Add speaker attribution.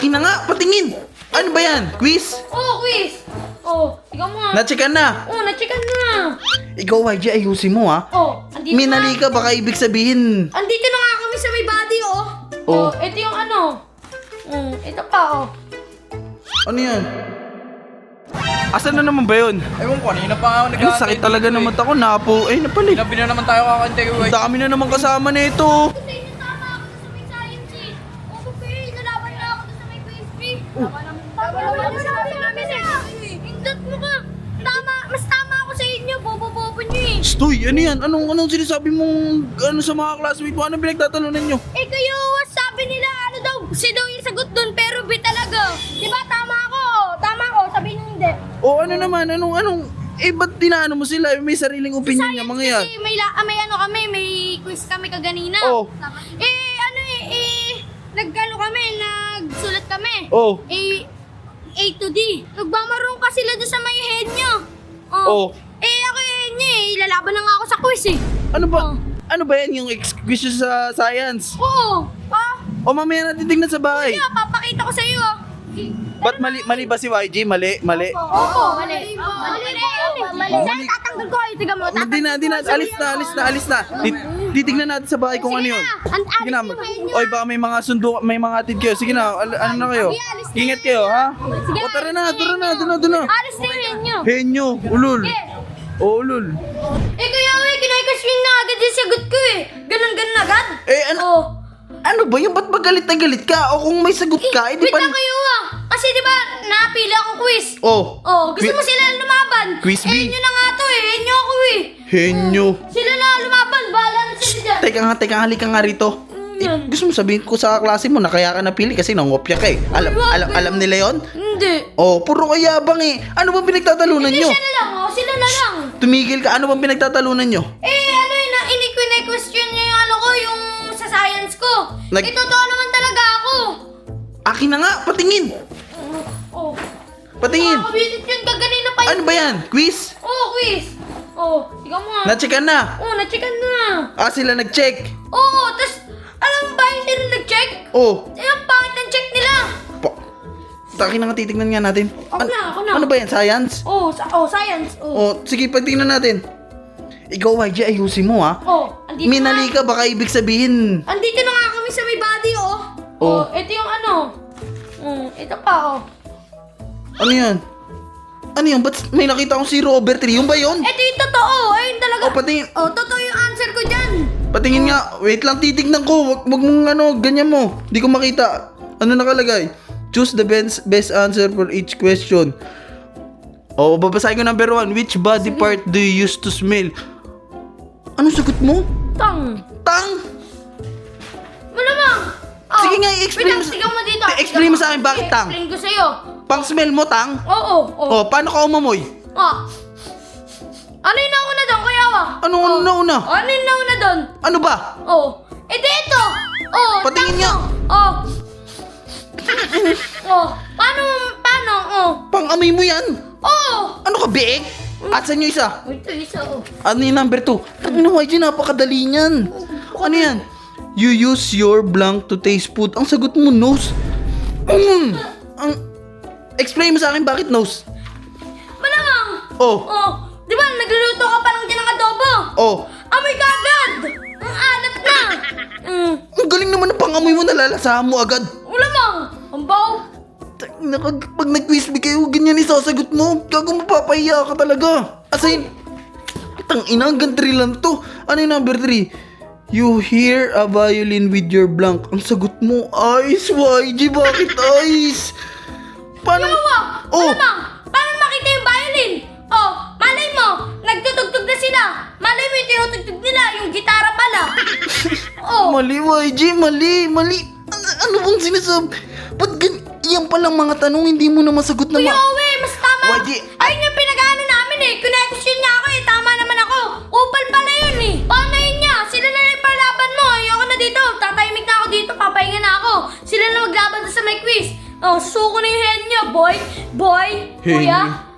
Speaker 1: Akin na nga, patingin. Ano ba yan? Quiz?
Speaker 2: Oo, quiz. Ikaw mo nga.
Speaker 1: Na-checkan na.
Speaker 2: Na-checkan na.
Speaker 1: Ikaw, YG, ayusin mo ha.
Speaker 2: Andito
Speaker 1: Minali ka, baka ibig sabihin.
Speaker 2: Andito na nga kami sa may body, ito yung ano. Ito pa,
Speaker 1: Ano yan? Asan na naman ba yun?
Speaker 3: Ewan ko, kanina pa ako
Speaker 1: Ay, sakit talaga naman ako. Napo. Ay, napali.
Speaker 3: Labi na naman tayo kakantay ko.
Speaker 1: Ang dami na naman kasama nito.
Speaker 2: Sa inyo tama ako sa may science eh. Okay, nalaban na ako sa may chemistry. Tama naman sabi namin eh. Hindot mo ka. Mas tama ako sa inyo. Bobo-bobo nyo eh.
Speaker 1: Stoy, ano yan? Anong sinasabi mong sa mga classmate mo? Anong pinagtatalunan nyo?
Speaker 2: Kayo, sabi nila, ano daw, si daw yung sagot dun, pero B talaga. Diba, tama ako. Tama ako, sabi nyo hindi.
Speaker 1: O ano naman? Ba't tinaano mo sila? May sariling opinion nga mga yan.
Speaker 2: Kasi may ano kami, may quiz kami kaganina. Nagkano kami, nagsulat kami. A to D. Nagmamarong ka sila doon sa may head nyo. Ako head nyo ilalaban na nga ako sa quiz eh.
Speaker 1: Ano ba yan yung quiz sa science?
Speaker 2: Oo.
Speaker 1: O mamaya natin tignan sa bahay.
Speaker 2: Kaya, papakita ko sa iyo
Speaker 1: Ba't mali ba si YG? Mali?
Speaker 2: Opo, mali. Mali. Tatanggal ko, tiga mo.
Speaker 1: Hindi na. Alis na. Titignan natin sa bahay kung ano yun. Sige na. Oy, baka may mga may mga atid kayo. Sige na, ano na kayo? Ingat kayo, ha? O tara na. Doon na.
Speaker 2: Alis na yun nyo.
Speaker 1: Henyo, ulul. O, ulul.
Speaker 2: Kaya kinay-question na agad yung sagot ko eh. Ganon agad.
Speaker 1: Ano ba yung ba't magalit na galit ka? O kung may sagot ka,
Speaker 2: Wait lang kayo Kasi di ba napili akong quiz? Gusto mo sila lumaban?
Speaker 1: Quiz B.
Speaker 2: Henyo na nga to eh. Henyo ako eh.
Speaker 1: Henyo.
Speaker 2: Sila na lumaban. Bahala na sila dyan.
Speaker 1: Teka nga, halika nga rito. Gusto mo sabihin ko sa klase mo na kaya ka napili kasi nangopya ka eh. Alam nila yon?
Speaker 2: Hindi.
Speaker 1: Puro kayabang eh. Ano bang pinagtatalunan nyo?
Speaker 2: Sila na lang.
Speaker 1: Tumigil ka, ano bang pinagtatalunan nyo?
Speaker 2: Ini-question niya yung ano ko, yung sa science ko. Totoo naman talaga ako.
Speaker 1: Akin na nga, patingin. Patingin.
Speaker 2: Nakakabisit yun, kaganina pa yun.
Speaker 1: Ano ba yan? Quiz?
Speaker 2: Quiz. Ikaw mo nga.
Speaker 1: Na-checkan na?
Speaker 2: Na-checkan na.
Speaker 1: Sila nag-check?
Speaker 2: Tas, alam mo ba yung sila nag-check? Ang pangit ng check nila.
Speaker 1: Akin na nga, titignan nga natin.
Speaker 2: Ako na.
Speaker 1: Ano ba yan? Science?
Speaker 2: Science.
Speaker 1: Sige, pagtingnan natin. Ikaw, YG, ayusin mo ha.
Speaker 2: Andito
Speaker 1: Minali ka, baka ibig sabihin.
Speaker 2: Andito na nga kami sa may body, ito yung ano. Ito pa,
Speaker 1: Ano yan? Ba't may nakita akong 0/3? Yung ba yun?
Speaker 2: Ito yung totoo. Ayun talaga.
Speaker 1: Patingin.
Speaker 2: Totoo yung answer ko dyan.
Speaker 1: Patingin nga. Wait lang, titignan ko. Wag mong ganyan mo. Di ko makita. Ano nakalagay? Choose the best answer for each question. Babasahin ko number 1. Which body part do you use to smell? Anong sagot mo?
Speaker 2: Tang. Malamang.
Speaker 1: Sige nga, i-explain mo.
Speaker 2: Tignan mo dito.
Speaker 1: Explain mo sa akin bakit tang.
Speaker 2: Explain ko sa'yo.
Speaker 1: Pang smell mo, tang?
Speaker 2: Oo.
Speaker 1: Paano ka umamoy?
Speaker 2: Ano yung nauna doon, Kuya Wa?
Speaker 1: Anong una?
Speaker 2: Ano yung nauna doon?
Speaker 1: Ano ba?
Speaker 2: Dito.
Speaker 1: Patingin nga.
Speaker 2: Paano?
Speaker 1: Pang-amoy mo yan. Ano ka, biik? At saan yung isa?
Speaker 2: Ito, isa,
Speaker 1: Ano yung number 2? Tangina, YG, napakadali niyan. Ano yan? You use your blank to taste food. Ang sagot mo, nose. Explain mo sa akin bakit nose.
Speaker 2: Malamang. Di ba, nagluluto ka pa lang dyan ng adobo? Amoy ka agad. Ang alat na.
Speaker 1: Ang galing naman ng pang-amoy mo, nalalasahan mo agad.
Speaker 2: Malamang. Ang baw.
Speaker 1: Pag nag-quiz bee kayo, ganyan isasagot mo. Gago, mapapahiya ka talaga. Asin, tangina, hanggang 3 lang to. Ano yung number 3? You hear a violin with your blank. Ang sagot mo, ice. YG, bakit ice? Paano?
Speaker 2: Malamang. Paano makita yung violin? Malay mo, nagtutugtog na sila. Malay mo yung tinutugtog nila, yung gitara pala.
Speaker 1: Mali, YG, mali. Ano bang sinasabi? Ba't yan palang mga tanong, hindi mo na masagot na
Speaker 2: Kuya Owe, mas tama.
Speaker 1: YG,
Speaker 2: Ayun yung pinag-ano namin eh. Kine-question niya ako eh. Tama naman ako. Upal pala yun eh. Paano yun niya? Sila na yung parlaban mo. Ayoko na dito. Tatahimik na ako dito. Papahinga na ako. Sila na maglaban sa may quiz. Susuko na yung head niya, boy. Kuya.